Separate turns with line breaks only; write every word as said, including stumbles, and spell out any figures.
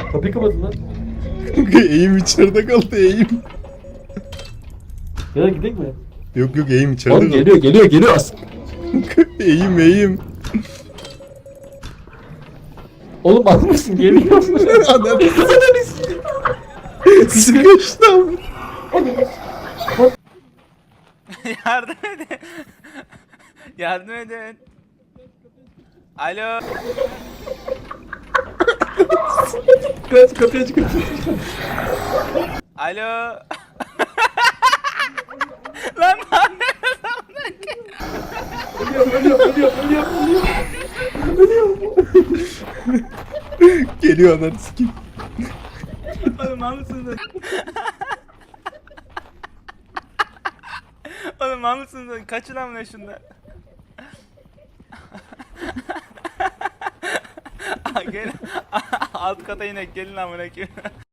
Kapıyı kapatın lan.
Eğim içeride kaldı eğim.
Ya da gidelim mi?
Yok yok eğim içeride
Oğlum
kaldı.
geliyor geliyor geliyor as.
Eğim eğim.
Oğlum az mısın geliyor.
Ananı sıkıştım.
Yardım edin. Yardım edin. Alo.
Kaç kapıyı aç kapıyı.
Alo. Lan ne
Ölüyor ölüyor ölüyor ölüyor.
Geliyor ananı sikeyim.
Oğlum mal mısınız? Oğlum mal mısınız? Kaçın amına şundan. Gel. Alt kata inek gelin amına koyayım.